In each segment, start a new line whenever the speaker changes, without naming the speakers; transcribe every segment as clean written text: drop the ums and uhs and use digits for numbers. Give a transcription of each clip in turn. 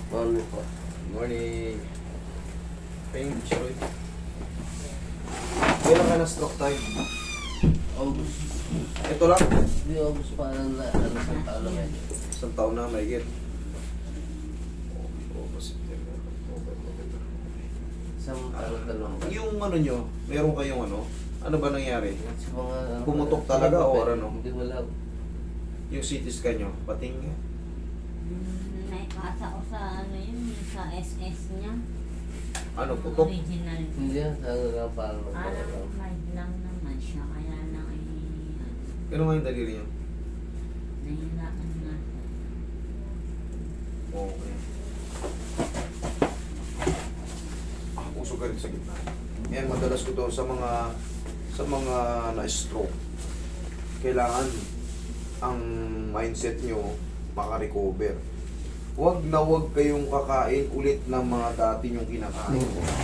Morning po.
Morning. Pain, Choy. Kailan ka na stroke time?
August.
Ito lang.
Hindi August pa na sa taon na medyo.
Isang taon na, may get. August, September, October, November.
Isang dalawang ba?
Yung ano nyo, meron kayong ano ba nangyari?
Sa mga
Pumutok talaga o ano?
Hindi wala.
Yung CT scan nyo, pating nyo.
Naipasa ko sa sa SS niya.
Ano, putok?
Original.
Hindi yan. Ano lang parang
Parang mild lang naman siya. Kaya lang ay
Ano nga yung daliri nyo?
nahirapan na.
Okay. Puso ka rin sa gitna. Yan, madalas ko to sa mga na-stroke. Kailangan ang mindset nyo makarecover. Huwag na huwag kayong kakain ulit ng mga dati nyong kinakain.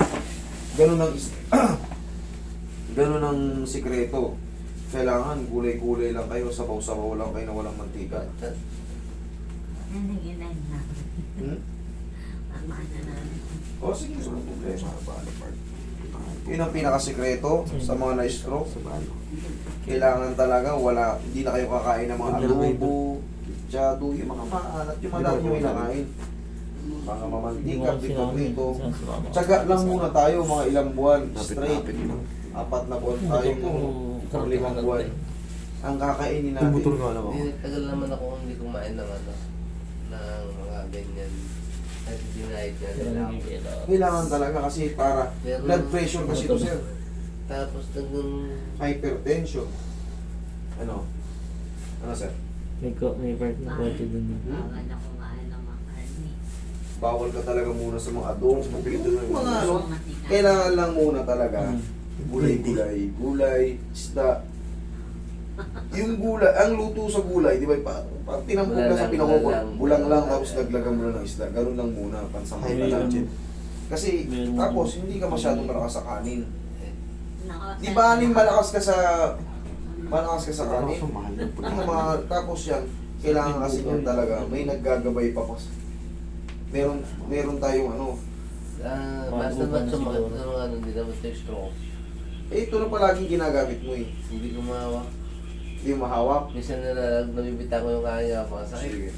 Ganun ang sikreto. Kailangan gulay-gulay lang kayo, sabaw-sabaw lang kayo na walang mantika.
Nanaginag na.
Hmm?
Tama na namin.
O sige, walang problema. Yun ang pinakasikreto sa mga na-stroke. Kailangan talaga hindi na kayo kakain ng mga adobo, jado, yung mga maalat, yung madami nyo kinakain. Mga mamantika, pito-pito. Tsaga lang muna tayo, mga ilang buwan, straight. 4 na buwan tayo o 5 buwan. Ang kakainin natin.
Hindi, tagal naman ako hindi kumain ng ng mga ganyan. Kasi dinahit niya nila ako.
Kailangan talaga kasi para blood pressure kasi ito, sir.
Tapos
Hypertension. Ano? Ano, sir?
May part na konti dun.
Bawal na kumain ng mga karne.
Bawal ka talaga muna sa mga adobo, mga kailangan lang muna talaga gulay, isda. Yung gulay, ang luto sa gulay, di ba, pag tinampok ka sa pinakukot, bulang lang tapos naglagan mo na ng isda, ganun lang muna, pansamantala. Kasi, tapos, hindi ka masyadong malakas sa kanin. Di ba, malakas ka sa kanin? Yung mga, tapos yan, kailangan kasi yan talaga, may naggagabay pa pa. Meron tayong
basta ba't sumakit sa mga hindi naman tayo stroke.
ito na palaging ginagamit mo eh.
Hindi ko mahawak.
Hindi mo mahawak.
Minsan nabibita ko yung kanya mga sakit.
Sige.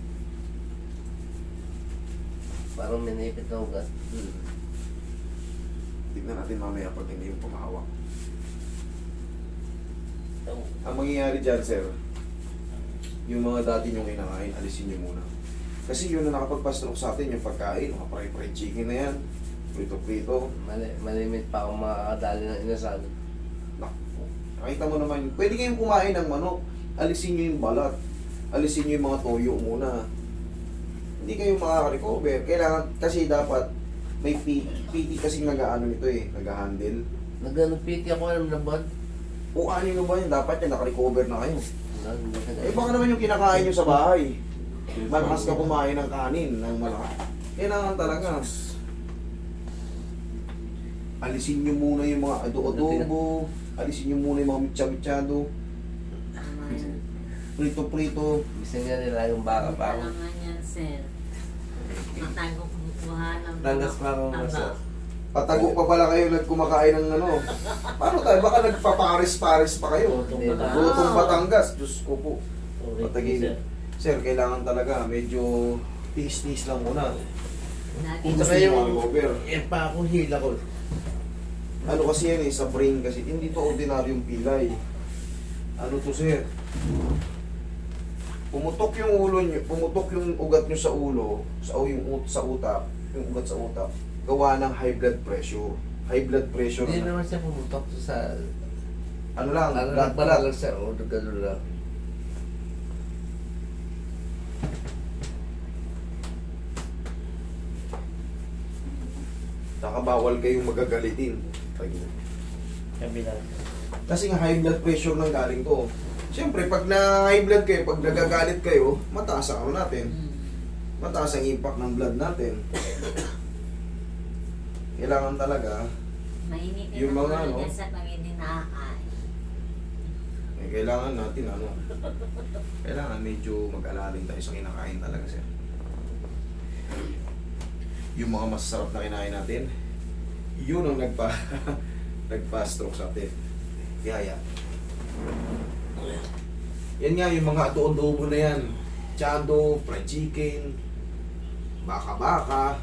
Parang minipit na ugat.
Tignan natin mamaya pag hindi mo pumahawak. Ang mangyayari dyan, sir, yung mga dati nyong kinakain, alisin nyo muna. Kasi yun na nakapagpa-stroke sa atin, yung pagkain, mga fried chicken na yan, prito-prito.
Malimit pa akong makakadali ng inasal.
Naku, nakita mo naman, pwede kayong kumain ng manok, alisin nyo yung balat, alisin nyo yung mga toyo muna. Hindi kayo makaka-recover. Kailangan, kasi dapat, may PT kasi nag-ano nito nag-handle.
Nag-piti ako alam na ba?
O ano nyo ba yun, dapat yan, naka-recover na kayo. Baka naman yung kinakain nyo sa bahay. Malakas ka kumain ng kanin, ng malakas. Kailangan talaga. Alisin nyo muna yung mga adobo, alisin nyo muna yung mga mitsa-mitsado, prito-prito.
Gusto niya nila yung baka pa ako.
Kailangan yan, sir. Matago kumukuha ng
Tangas pa ako masas.
Patago pa pala kayo nagkumakain ng Paano tayo? Baka nagpaparis-paris pa kayo. Lutong Batangas. Diyos ko po. Patagilid. Sir, kailangan talaga. Medyo tiis-tiis lang muna. Kung gusto nyo mag-recover.
Yan pa ako hila ko.
Ano kasi yan sa brain kasi. Hindi to ordinaryong pilay. Ano to, sir? Pumutok yung ulo nyo, pumutok yung ugat nyo sa ulo, sa utak, yung ugat sa utak, gawa ng high blood pressure. High blood pressure
Hindi
na.
naman siya pumutok sa...
Ano lang, blood
Nagpalalag siya, o gano'n lang.
Nakabawal kayong magagalitin.
Kabila.
Kasi nga high blood pressure nang galing to. Siyempre, pag na-high blood kayo, pag nagagalit kayo, mataas ang natin. Mataas ang impact ng blood natin. Kailangan talaga,
Mainitin
yung
ang
mga,
ulo niya sa pag hindi nakakain.
kailangan natin, kailangan medyo mag-alalin tayo sa kinakain talaga, sir. yung mga masasarap na kinain natin, yun ang nagpa-stroke sa atin. Yaya. Yan nga, yung mga adobo na yan. Chado, fried chicken, baka-baka.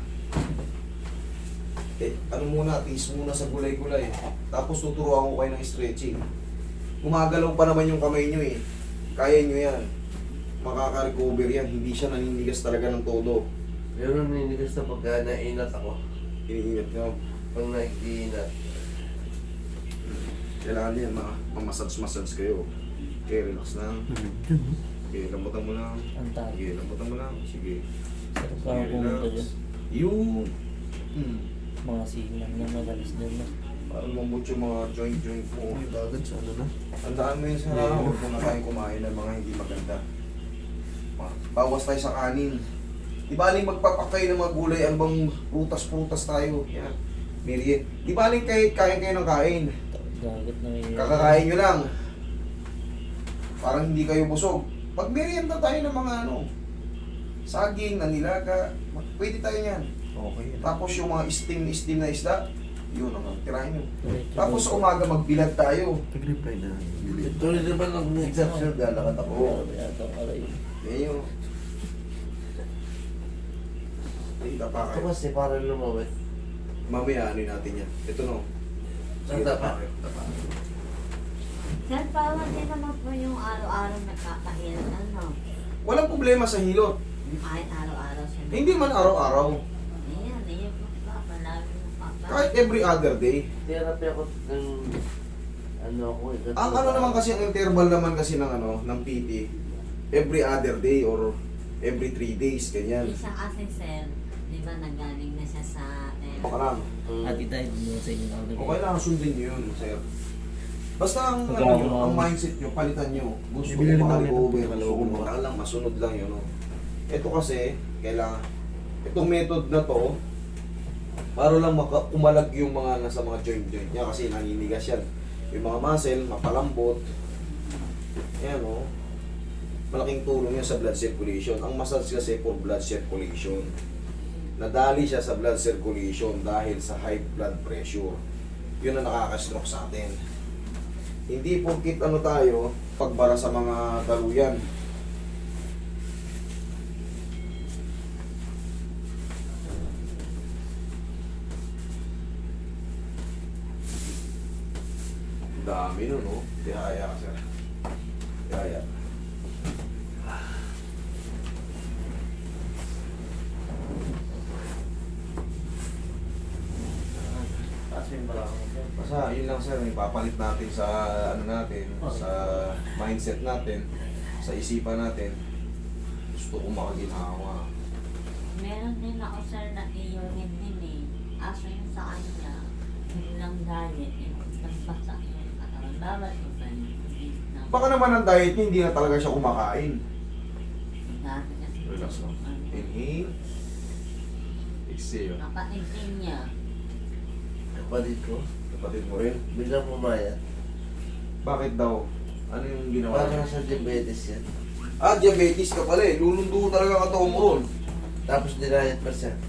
Ano muna, tiis muna sa gulay-gulay. Tapos tuturuan ko kayo ng stretching. Gumagalaw pa naman yung kamay nyo eh. Kaya nyo yan. Makaka-recover yan. Hindi siya naninigas talaga ng todo.
Pero naninigas na pagka nainat ako.
Iniingat nyo.
Pag nag-iinat.
Kailangan yan, mamasage kayo. Okay, relax lang. Okay, lambutan mo lang.
Ang tayo.
Sige, lambutan mo lang. Sige.
Sarap lang pumunta dyan.
Yung...
Mga silang na madalas dyan na.
Parang mamut yung mga joint mo.
May bagad sa ano na.
Tandaan mo yun sa huwag mo na tayong kumain ng mga hindi maganda. Bawas tayo sa kanin. Di baling magpapakay ng mga gulay, ano bang prutas tayo. Yan. Meriend. Di baling kain kayo ng kain.
Gagat na may...
Kakakain nyo lang. Parang hindi kayo busog. Mag-merienda tayo ng mga ano. Saging, nanilaga. Pwede tayo yan.
Okay.
Tapos yung mga steam na isda, yun naman, tirahin nyo.
Diretso
Tapos
doon.
sa umaga magbilad tayo.
Nag-reply na.
Tuloy din ba nung exception lalakad ako?
Oo.
Yata ang aray.
Yan yun. Ay, tapa
Ito
kayo.
kasi parang lumawit.
Mamaya ano natin yan. Ito no. Sige,
Tapa.
tapa kayo. Tapa.
Sir, parang din naman po yung araw-araw nakakahilan, ano?
Walang problema sa hilot.
Kahit araw-araw siya.
Hindi man araw-araw.
Ayan po pa, palagi mo pa.
Kahit every other day.
Therapy ako ng ano ako.
Ang ano naman kasi, ang interval naman kasi ng ano, ng PT, every other day or every 3 days, ganyan.
Isa kasi, sir, di ba nagaling na siya sa...
Baka lang.
Ati tayo dun sa inyo nakalagay.
Okay lang, sundin nyo yun, sir. Basta ang,
Magkano?
ano, nyo, ang mindset nyo, palitan nyo. Gusto ko
Bibili rin namin
makaligover,
ng
gusto ko
malawang.
makakala lang, masunod lang yun. No? Ito kasi, kailangan, itong method na to, para lang umalag yung mga nasa mga joint niya kasi naninigas yan. Yung mga muscle, mapalambot. Ayan o. Malaking tulong yan sa blood circulation. Ang massage kasi for blood circulation. Nadali siya sa blood circulation dahil sa high blood pressure. Yun ang nakaka-stroke sa atin. Hindi porkit ano tayo, pagbara sa mga daluyan. Dami nun, no? Tihaya ka, sir. Tihaya.
Kaso yung balakang ko.
Basta, yun lang, sir. Ipapalit natin sa, ano natin, sa mindset natin, sa isipan natin. Gusto ko makaginawa.
Meron din ako, sir, na iurin din eh. Aso yung sa kanya, bilang diet, nagbasa yung katawan. Bawat ko ba yun?
Baka naman ang diet niya, hindi na talaga siya kumakain.
Dati kasi.
Relax lang. Inhale. Exhale.
Kapatid din niya.
Kapatid ko.
Kapatid mo rin.
Bilang pumayat.
Bakit daw? Ano yung ginawa
Parang
niya?
sa diabetes yan.
Ah, diabetes ka pala eh. Lulundo talaga katawan mo ron.
Tapos dinayat pa siya.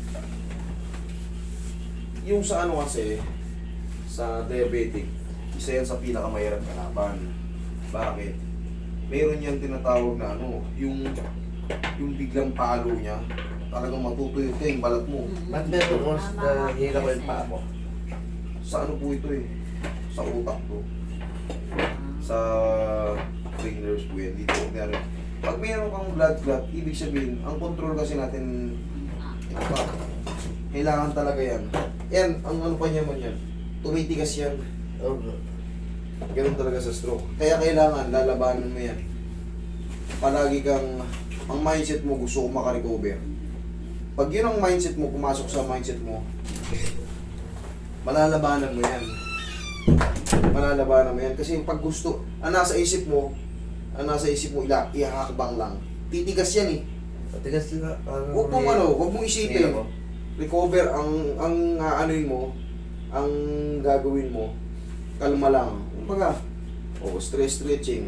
Yung sa ano kasi, sa diabetic, isa yan sa pinakamahirap kalaban. Bakit? Meron yan tinatawag na ano, yung biglang palo niya, talagang matutuyot ka yung balat mo.
Ba't meron ko na hila ko yung paa mo?
Sa ano po ito eh? Sa utak to. Sa brain nerves po yan. Dito, kaya pag meron kang blood clot, ibig sabihin, ang control kasi natin, ito pa, kailangan talaga yan. Yan, ang ano pa niya man yan, tumitigas yan.
Oo.
Ganun talaga sa stroke. Kaya kailangan, lalabanan mo yan. Palagi kang, ang mindset mo, gusto ko makarecover. Pag yun ang mindset mo, pumasok sa mindset mo, malalabanan mo yan. Malalabanan mo yan. Kasi pag gusto, ang nasa isip mo, ihahakbang lang. Titigas yan eh.
Matigas sila.
Huwag mong ano, huwag mong isipin. Recover, ang aanuin mo, ang gagawin mo, kalma lang. Kumbaga, stretching.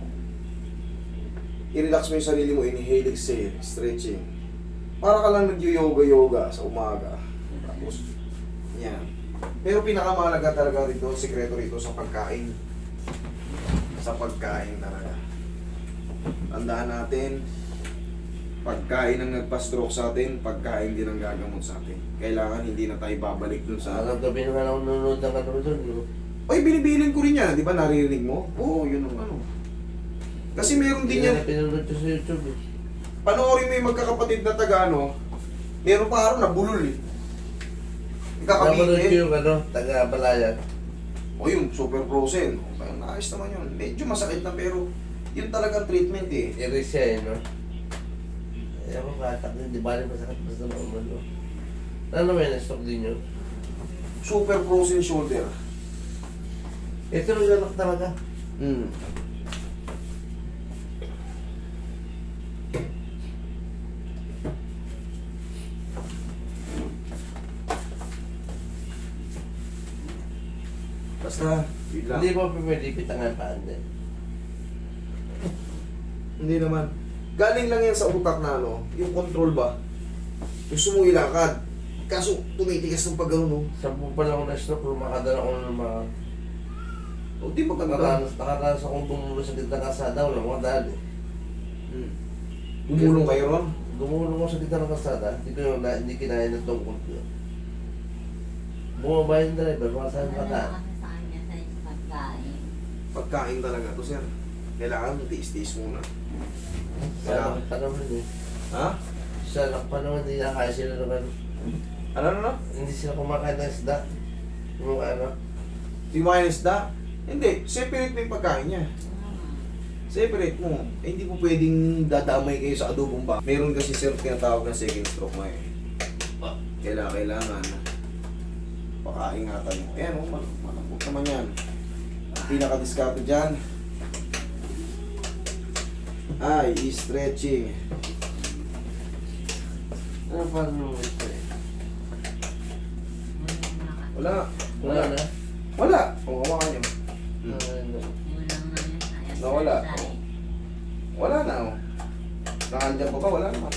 I-relax mo yung sarili mo, inhale, exhale, stretching. Para ka lang nag-yoga-yoga sa umaga. Tapos, yan. Pero pinakamahalaga talaga rito, sikreto rito sa pagkain. Sa pagkain talaga. Tandaan natin, pagkain ang nagpa-stroke sa atin, pagkain din ang gagamot sa atin. Kailangan hindi na tayo babalik dun sa...
Ang gabi naman ako nanonood ng ano doon, no?
Oy, binibilin ko rin yan, di ba? Naririnig mo? Oo, yun ang ano. Kasi meron din
Hindi
yan.
na pinanood ko sa YouTube eh.
Panoorin mo yung magkakapatid na taga ano, meron pa araw na bulol eh.
Napanood ko
Ikakabili.
yung ano, taga-Balayan.
O yung super frozen. Okay, naayos naman yun. Medyo masakit na pero yun talagang treatment eh.
Iris siya eh, no? Ayaw ko katak din, di ba rin masakit basta naman, no? Ano may na-stock din yun?
Super frozen shoulder.
Ito yung lalak talaga.
Hmm. Basta, yun lang.
Hindi mo pwede pitangan pa din.
Hindi naman. Galing lang yan sa utak na ano, yung control ba? Gusto mong ilakad. Kaso tumitigas ng pag no?
10 pa lang ako na-stroke, lumakadala ako ng mga...
O di maganda.
Nakaranas akong tumulo sa gitna ng kasada, wala mga daan eh.
Hmm. Gumulong kayo ron?
Gumulong ako sa gitna ng kasada, hindi kinaya ng tungkol ko. Bumaba yung driver, mga saan
Wala
mata.
kasi sa kanya sa pagkain.
Pagkain talaga to, sir. Kailangan tiis-tiis muna.
Sa pa naman eh.
Ha?
Sa anak pa naman, hindi nakaya sila naman.
Ano?
Hindi sila kumakain ng isda. Yung ano.
Di mo kaya isda? Hindi. Separate mo yung pagkain niya. Separate mo. Eh, hindi mo pwedeng dadamay kayo sa adobong ba. Meron kasi sir tinatawag na second stroke mo eh. Kailangan pakaingatan mo. Ayan o, malambot naman yan. Ang pinaka-discarte dyan ay stretching.
Ano pa naman ito eh?
Wala.
Wala na.
Wala. Kung hawakan nyo.
Ano?
Nawala. Wala na o. Nakandyan pa ba? Wala naman.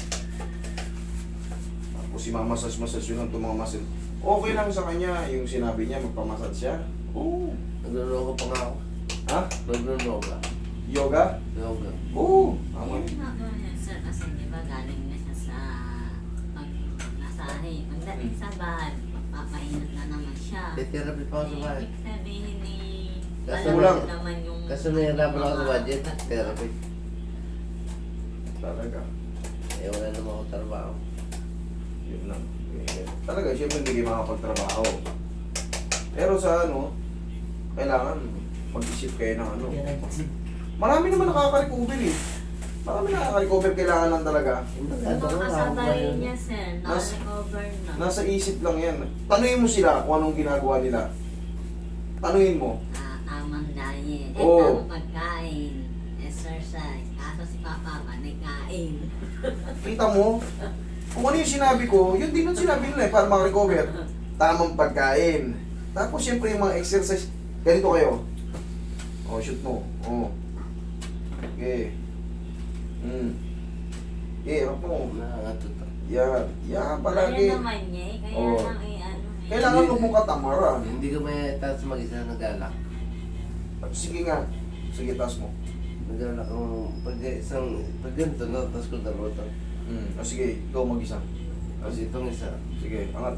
Tapos si mamasas-masas yun ang mga muscle. Okay lang sa kanya yung sinabi niya, magpamasad siya. Oo.
Nagluloko pa nga ako.
Ha?
Nagluloko.
Yoga?
Yoga.
Oo. Tama.
Ayun nga po yun, sir, kasi di ba galing na siya sa pag-nasahe. Pagdating sa bahay, papainat na naman siya.
May therapy pa ako sa bahay.
Ibig sabihin ni...
Kasi
alam
kulang.
mo naman yung...
Kasi nahihirapan ako sa budget. Therapy.
Talaga.
Eh wala naman ako trabaho.
Yun lang. Talaga, siyempre hindi kayo makapagtrabaho. Pero sa ano, kailangan mag-isip kayo ng ano. Marami naman nakaka-recover eh. Marami nakaka-recover, kailangan lang talaga.
Yung mga kasabay niya, sir, na-recover na.
Nasa isip lang yan. Tanungin mo sila kung anong ginagawa nila. Tanungin mo.
Tamang diet,
Oo.
tamang pagkain, exercise. Kaso si Papa ba, nagkain.
Kita mo? Kung ano yung sinabi ko, yun din ang sinabi nila eh, para makarecover. Tamang pagkain. Tapos siyempre yung mga exercise, ganito kayo. O, shoot mo. O. Okay. Okay, harap mo.
Nakakatuto.
Yan. Yan, palagi.
Kaya naman niya eh, kaya
Oo.
lang ano eh.
Kailangan huwag mong katamaran.
Hindi ko may taas mag-isa nag-alak.
Sige nga. Sige, taas mo.
Nag-alak ako. Pag ganito, no, tapos ko dalawa to.
O sige, ikaw mag-isa.
Kasi itong isa.
Sige, angat.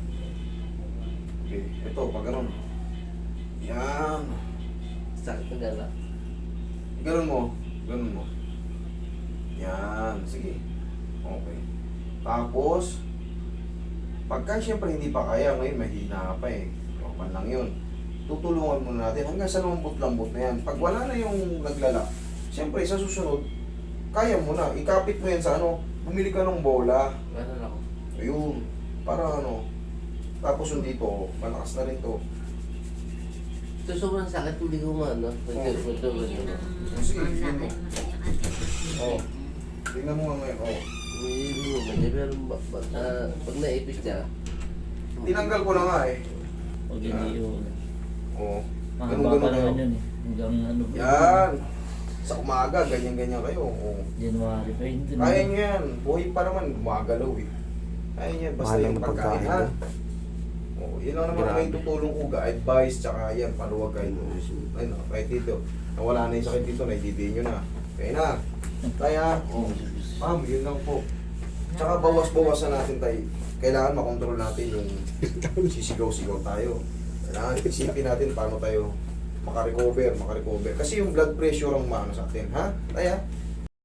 Okay, ito, pag ganun. Yan.
Sakit nag-alak.
Ganun mo. Ganun mo. Yan. Sige. Okay. Tapos, pagka siyempre hindi pa kaya, ngayon mahina pa eh. Normal lang yun. Tutulungan muna natin hanggang sa lambot-lambot na yan. Pag wala na yung naglalak, siyempre sa susunod, kaya mo na. Ikapit mo yan sa ano, bumili ka ng bola.
Ganun ako.
Ayun. Para ano. Tapos yung dito, malakas na rin to.
Ito sobrang sakit, hindi ko maano. Ito.
Yun ang
Sige,
ang
yun
lakad
mo.
mo sa yung ating
Oo. Tingnan mo nga ngayon. Oh.
Hindi mo ganyan, pero pag naipit niya,
Tinanggal ko na nga eh.
Pag hindi yun.
Oo.
Mahaba pa
Ganun-ganun
naman
kayo.
yun eh. Hanggang ano ba?
Yan. Sa umaga, ganyan-ganyan kayo. Oo.
January pa yun.
Kaya nyo yan. Buhay pa naman, gumagalaw eh. Kaya yan, basta
Mahal lang
yung
ng
pagkain,
pagkain,
ha?
no?
Oo, yun lang naman
Grabe.
may tutulong ko, advice, tsaka yan, paluwag kayo. Ayun, kahit dito, nawala na yung sakit dito, naididiin nyo na. Kaya na, kaya, ma'am, yun lang po. Tsaka bawas-bawasan natin tayo. Kailangan makontrol natin yung sisigaw-sigaw tayo. Kailangan isipin natin paano tayo makarecover. Kasi yung blood pressure ang maano sa atin, ha? Kaya,